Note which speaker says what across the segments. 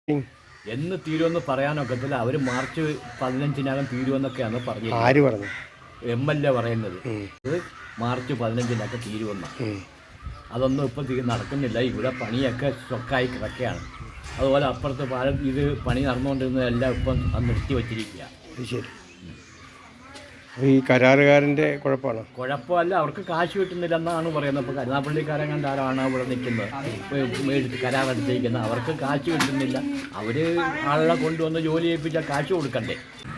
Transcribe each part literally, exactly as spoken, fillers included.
Speaker 1: എന്ന് തീരുമെന്ന് പറയാനൊക്കത്തില്ല. അവർ മാർച്ച് പതിനഞ്ചിനകം തീരുമെന്നൊക്കെയാണ് പറഞ്ഞത്.
Speaker 2: ആര് പറഞ്ഞു?
Speaker 1: എം എൽ എ പറയുന്നത് ഇത് മാർച്ച് പതിനഞ്ചിനൊക്കെ തീരുമെന്നാണ്. അതൊന്നും ഇപ്പം തീ നടക്കുന്നില്ല. ഇവിടെ പണിയൊക്കെ സ്റ്റൊക്കായി കിടക്കുകയാണ്. അതുപോലെ അപ്പുറത്ത് പാലം ഇത് പണി നടന്നുകൊണ്ടിരുന്നതെല്ലാം ഇപ്പം നിർത്തി വച്ചിരിക്കുക.
Speaker 2: ശരി. ഈ കരാറുകാരൻ്റെ കുഴപ്പമാണോ?
Speaker 1: കുഴപ്പമല്ല, അവർക്ക് കാശ് കിട്ടുന്നില്ലെന്നാണ് പറയുന്നത്. ഇപ്പോൾ കരുനാപ്പള്ളിക്കാരൻ കണ്ട ആരാണ് ഇവിടെ നിൽക്കുന്നത്, മേടിച്ച് കരാറെടുത്തിരിക്കുന്നത്. അവർക്ക് കാശ് കിട്ടുന്നില്ല. അവർ ആളെ കൊണ്ടുവന്ന് ജോലി ചെയ്യിപ്പിച്ചാൽ കാശ് കൊടുക്കണ്ടേ?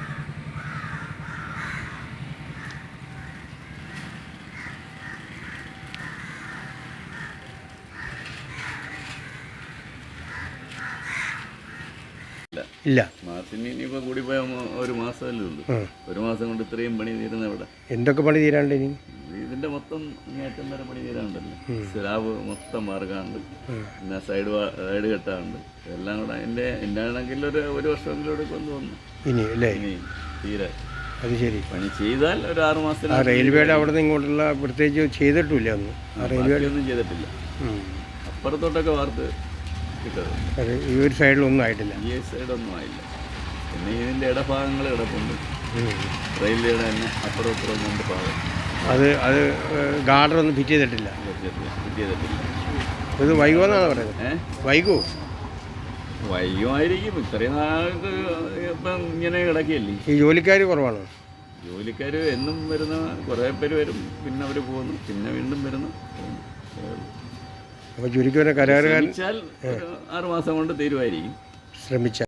Speaker 2: ഇല്ല,
Speaker 3: മാസത്തിന് ഇനിയിപ്പോൾ കൂടി പോയ ഒരു മാസമല്ലേ ഉള്ളൂ. ഒരു മാസം കൊണ്ട് ഇത്രയും പണി തീരുന്ന ഇവിടെ.
Speaker 2: എന്തൊക്കെ പണി തീരാണ്ട് ഇനി?
Speaker 3: ഇതിന്റെ മൊത്തം ഏറ്റവും വരെ പണി തീരാണ്ടല്ലോ. സ്ലാബ് മൊത്തം മാർഗമുണ്ട്, പിന്നെ സൈഡ് സൈഡ് കെട്ടാറുണ്ട്. എല്ലാം കൂടെ എൻ്റെ എൻ്റെ ആണെങ്കിൽ ഒരു ഒരു വർഷമെങ്കിലും എടുക്കുമെന്ന് തോന്നുന്നു
Speaker 2: ഇനി അല്ലേ?
Speaker 3: ഇനി തീരെ
Speaker 2: അത് ശരി.
Speaker 3: പണി ചെയ്താൽ ഒരു ആറ് മാസത്തിന്.
Speaker 2: റെയിൽവേയുടെ അവിടെ നിന്ന് ഇങ്ങോട്ടുള്ള പ്രത്യേകിച്ച് ചെയ്തിട്ടില്ല ഒന്നും. റെയിൽവേ
Speaker 3: ഒന്നും ചെയ്തിട്ടില്ല. അപ്പുറത്തോട്ടൊക്കെ വാർത്ത്
Speaker 2: അത് ഈ ഒരു സൈഡിലൊന്നും ആയിട്ടില്ല.
Speaker 3: ഈ സൈഡൊന്നും ആയില്ല. പിന്നെ ഇതിൻ്റെ ഇടഭാഗങ്ങൾ കിടപ്പുണ്ട്. റെയിൽവേയുടെ തന്നെ അപ്പുറം ഇപ്പുറം രണ്ട് ഭാഗം. അത്
Speaker 2: അത് ഗാർഡറൊന്നും ഫിറ്റ് ചെയ്തിട്ടില്ല.
Speaker 3: ഫിറ്റ് ചെയ്തിട്ടില്ല.
Speaker 2: ഇത് വൈകുമെന്നാണ് പറയുന്നത്.
Speaker 3: ഏഹ്
Speaker 2: വൈകൂ
Speaker 3: വൈകുമായിരിക്കും. ഇത്രയും നാൾക്ക് ഇപ്പം ഇങ്ങനെ കിടക്കുകയല്ലേ.
Speaker 2: ഈ ജോലിക്കാർ കുറവാണോ?
Speaker 3: ജോലിക്കാർ എന്നും വരുന്ന കുറേ പേര് വരും, പിന്നെ അവർ പോകുന്നു, പിന്നെ വീണ്ടും വരുന്നു.
Speaker 2: അപ്പോൾ ചുരുക്കി വരെ കരാറുകാരൻ
Speaker 3: ആറ് മാസം കൊണ്ട് തീരുമായിരിക്കും.
Speaker 2: ശ്രമിച്ച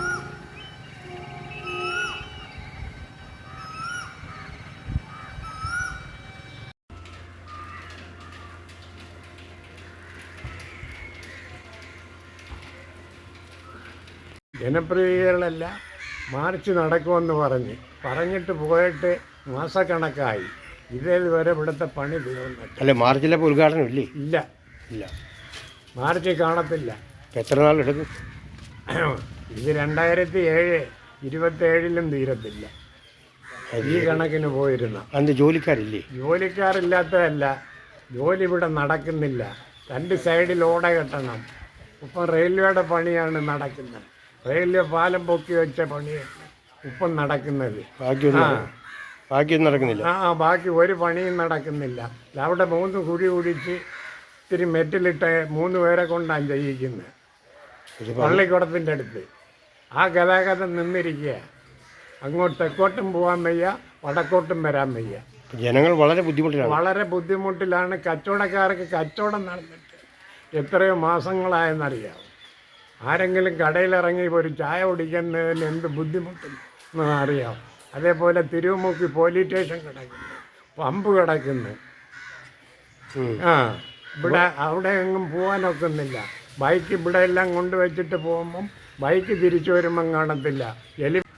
Speaker 4: ജനപ്രതിനിധികളല്ല മാർച്ച് നടക്കുമെന്ന് പറഞ്ഞ് പറഞ്ഞിട്ട് പോയിട്ട് മാസക്കണക്കായി. ഇതേവരെ ഇവിടുത്തെ പണി തീർന്നിട്ട്.
Speaker 2: അല്ല, മാർച്ചിലെ ഉദ്ഘാടനം ഇല്ലേ?
Speaker 4: ഇല്ല
Speaker 2: ഇല്ല,
Speaker 4: മാർച്ച് കാണത്തില്ല.
Speaker 2: എത്ര നാളെടുക്കും?
Speaker 4: ഇത് രണ്ടായിരത്തി ഏഴ് ഇരുപത്തേഴിലും തീരത്തില്ല. ഈ കണക്കിന് പോയിരുന്ന
Speaker 2: അന്ന് ജോലിക്കാരില്ലേ?
Speaker 4: ജോലിക്കാരില്ലാത്തതല്ല, ജോലി ഇവിടെ നടക്കുന്നില്ല. രണ്ട് സൈഡിൽ ഓട കെട്ടണം. ഇപ്പം റെയിൽവേയുടെ പണിയാണ് നടക്കുന്നത്. റെയിൽവേ പാലം പൊക്കി വെച്ച പണിയാണ് ഇപ്പം നടക്കുന്നത്.
Speaker 2: ബാക്കിയൊന്നും ബാക്കിയൊന്നും നടക്കുന്നില്ല.
Speaker 4: ആ ബാക്കി ഒരു പണിയും നടക്കുന്നില്ല. അവിടെ മൂന്ന് കുഴി കുടിച്ച് ഇത്തിരി മെറ്റിലിട്ട് മൂന്ന് പേരെ കൊണ്ടാണ് ചെയ്യിക്കുന്നത് പള്ളിക്കുടത്തിൻ്റെ അടുത്ത്. ആ ഗതാഗതം നിന്നിരിക്കുക. അങ്ങോട്ട് തെക്കോട്ടും പോകാൻ വയ്യ, വടക്കോട്ടും വരാൻ വയ്യ.
Speaker 2: ജനങ്ങൾ വളരെ ബുദ്ധിമുട്ടിലാണ്.
Speaker 4: വളരെ ബുദ്ധിമുട്ടിലാണ്. കച്ചവടക്കാർക്ക് കച്ചവടം നടന്നിട്ട് എത്രയോ മാസങ്ങളായെന്നറിയാം. ആരെങ്കിലും കടയിലിറങ്ങി ഒരു ചായ കുടിക്കുന്നതിന് എന്ത് ബുദ്ധിമുട്ടെന്ന് അറിയാം. അതേപോലെ തിരുവമുക്കി പോലീസ് സ്റ്റേഷൻ കിടക്കുന്നു, പമ്പ് കിടക്കുന്നു. ആ ഇവിടെ അവിടെ എങ്ങും പോകാനൊക്കുന്നില്ല. ബൈക്ക് ഇവിടെ എല്ലാം കൊണ്ടുവച്ചിട്ട് പോകുമ്പം ബൈക്ക് തിരിച്ചു വരുമ്പം കാണത്തില്ല. എലി